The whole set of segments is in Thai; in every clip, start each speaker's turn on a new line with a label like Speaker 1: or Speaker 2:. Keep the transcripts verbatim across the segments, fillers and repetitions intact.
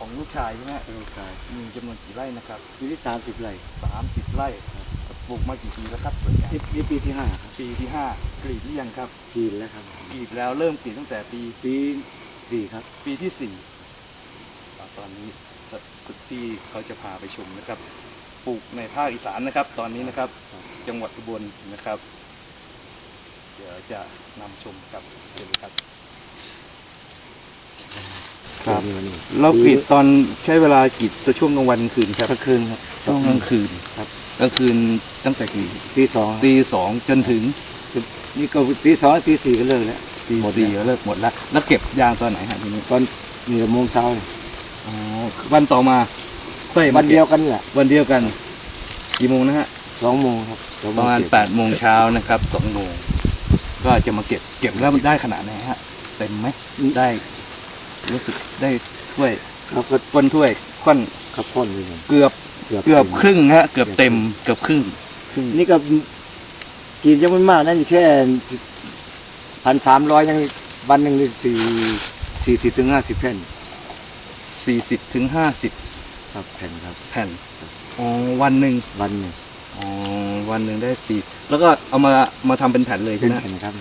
Speaker 1: ของลูกชายใช่ไหม
Speaker 2: ลูกชาย
Speaker 1: มีจำนวนกี่ไร่นะครับ
Speaker 2: ปีที่สามสิบไร่
Speaker 1: สามสิบไร่ปลูกมากี่ปีแล้วครับส่วนใหญ่
Speaker 2: นี่ปีที่ห้าครับ
Speaker 1: ปีที่ห้ากรีดหรือยังครับ
Speaker 2: กรีดแล้วครับ
Speaker 1: กรีดแล้วเริ่มกรีดตั้งแต่ปี
Speaker 2: ปีสี่ครับ
Speaker 1: ปีที่สี่ตอนนี้คุณพี่เขาจะพาไปชมนะครับปลูกในภาคอีสานนะครับ ตอนนี้นะครับจังหวัดอุบลนะครับเดี๋ยวจะนำชมกับเชิญครับครับเรากรีดตอนใช้เวลากรีดช่วงกลางวันกลางคืนครับ
Speaker 2: กลางคืนครับ
Speaker 1: ช่วงกลางคืน
Speaker 2: ครับ
Speaker 1: กลางคืนตั้งแต่กี่
Speaker 2: ตีสอง
Speaker 1: ตีสองจนถึง
Speaker 2: นี่ก็ตีสองตีสี่ก็เลิกแล้ว
Speaker 1: ตีสี่ก็เลิกหมดแล้วแล้วเก็บยางตอนไหนฮะทีนี้
Speaker 2: ตอนเหนือโมงเช้า
Speaker 1: อ๋อวันต่อมา
Speaker 2: วันเดียวกันแหละ
Speaker 1: วันเดียวกันกี่โมงนะฮะ
Speaker 2: สองโมงครับ
Speaker 1: ประมาณแปดโมงเช้านะครับสองโมงก็จะมาเก็บเก็บแล้วมันได้ขนาดไหนฮะเต็มไหมได้รู้สึกได้ถ้วย
Speaker 2: ครับก็
Speaker 1: ก้นถ้วยก้น
Speaker 2: ครับก้นเลย
Speaker 1: เกือบเกือบครึ่งฮะเกือบเต็มเกือบครึ่ง
Speaker 2: นี่ก็กินยังไม่มากนั่นแค่พันสามร้อยยังวันหนึ่งสี่สี่สิบถึงห้าสิบแผ่น
Speaker 1: สี่สิบถึงห้าสิบ
Speaker 2: ครับแผ่นครับ
Speaker 1: แผ่นอ๋อวันหนึ่ง
Speaker 2: วันหนึ่ง
Speaker 1: อ๋อวันหนึ่งได้สี่แล้วก็เอามามาทำเป็นแผ่นเลยใช่ไหม
Speaker 2: แผ่นครับ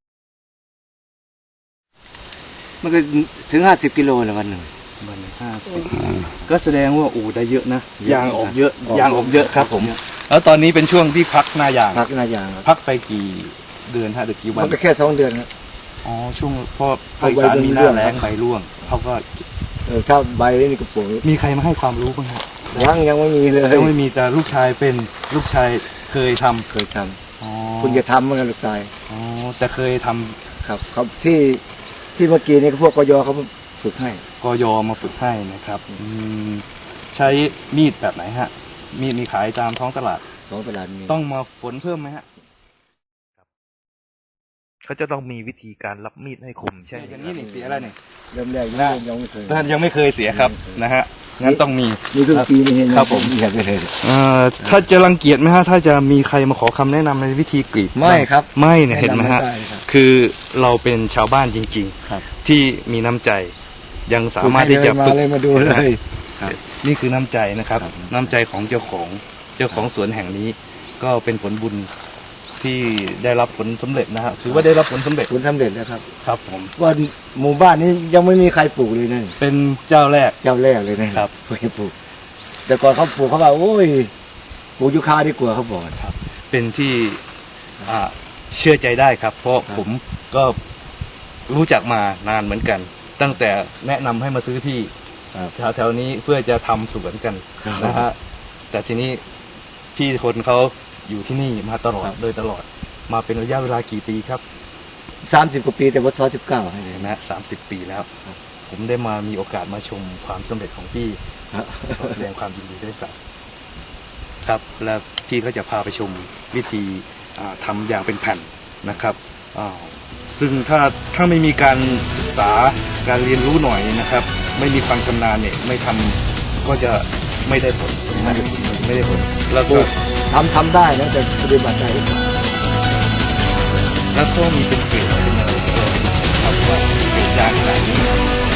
Speaker 2: มันก็ถึงห้าสิบกิโลละวันหนึ่ง
Speaker 1: วันหนึ่งห้าสิบก็แสดงว่าโอ้ได้เยอะนะยางออกเยอะยางออกเยอะครับผมแล้วตอนนี้เป็นช่วงที่พักหน้ายาง
Speaker 2: พักหน้ายาง
Speaker 1: พักไปกี่เดือนฮะหรือกี่วัน
Speaker 2: มันก็แค่สองเดือนครับ
Speaker 1: อ๋อช่วงพอภาคอีสานมีหน้าแล้งใบร่วงเขาก็
Speaker 2: เออถ้าใบนี่ก็ปลูก
Speaker 1: มีใครมาให้ความรู้บ้างครับ
Speaker 2: ยังยังไม่มีเลย
Speaker 1: ยังไม่มีแต่ลูกชายเป็นลูกชายเคยทำ
Speaker 2: เคยทำอ๋อคุณจะทำเหมือนกันลูกชาย
Speaker 1: อ๋อแต่เคยทำ
Speaker 2: ครับเขาที่ที่เมื่อกี้นี่พวกกยเขาฝึกให้
Speaker 1: กยมาฝึกให้นะครับอืมใช้มีดแบบไหนฮะมีดมีขายตามท้องตลาด
Speaker 2: ท้องตลาดมี
Speaker 1: ต้องมาฝนเพิ่มไหมฮะเขาจะต้องมีวิธีการรับมีดให้คมใช่อย่างนี้นี่เสียอะไรเนี่ย
Speaker 2: เริ่มแรกยังไม่เคย
Speaker 1: ท่านยังไม่เคยเสียครับนะฮะงั้นต้องมี
Speaker 2: มีทุกปีนี่
Speaker 1: ครับผม
Speaker 2: อยากไม่เคย
Speaker 1: ถ้าจะรังเกียจไหมฮะถ้าจะมีใครมาขอคำแนะนำในวิธีกรีด
Speaker 2: ไม่ครับ
Speaker 1: ไม่เนี่ยเห็นไหมฮะคือเราเป็นชาวบ้านจริงๆที่มีน้ำใจยังสามารถที่จะ
Speaker 2: มาเลยมาดูเลย
Speaker 1: นี่คือน้ำใจนะครับน้ำใจของเจ้าของเจ้าของสวนแห่งนี้ก็เป็นผลบุญที่ได้รับผลสำเร็จนะฮะถือว่าได้รับผลสำเร็จ
Speaker 2: ผลสำเร็จแล้วครับ
Speaker 1: ครับผม
Speaker 2: ว่าหมู่บ้านนี้ยังไม่มีใครปลูกเลยนั่น
Speaker 1: เป็นเจ้าแรก
Speaker 2: เจ้าแรกเลยนะครับเพิ่งปลูกแต่ก่อนเขาปลูกเขาบอกโอ้ยปลูกยูคาดีกว่าเขาบอก
Speaker 1: ครับเป็นที่อ่าเชื่อใจได้ครับเพราะผมก็รู้จักมานานเหมือนกันตั้งแต่แนะนำให้มาซื้อที่แถวๆนี้เพื่อจะทำสวนกันนะฮะแต่ทีนี้พี่คนเขาอยู่ที่นี่มาตลอดโดยตลอดมาเป็นระยะเวลากี่ปีครับ
Speaker 2: สามสิบกว่าปีแต่ว่าซอยสิบเก้าให้เลย
Speaker 1: นะสามสิบปีแล้วผมได้มามีโอกาสมาชมความสำเร็จของพี่แสดงความยินดีด้วยครับครับแล้วพี่ก็จะพาไปชมวิธีทำอย่างเป็นแผ่นนะครับซึ่งถ้าถ้าไม่มีการศึกษาการเรียนรู้หน่อยนะครับไม่มีความชำนาญเนี่ยไม่ทำก็จะไม่ได้ผลไม่ได้ผลไม่ได้ผลแล้วก็
Speaker 2: ทำทำได้นะแต่ปฏิบัติได้
Speaker 1: แล้วก็มีเป็นเกรดเป็นอะไรครับว่าเกรดยางขนาดนี้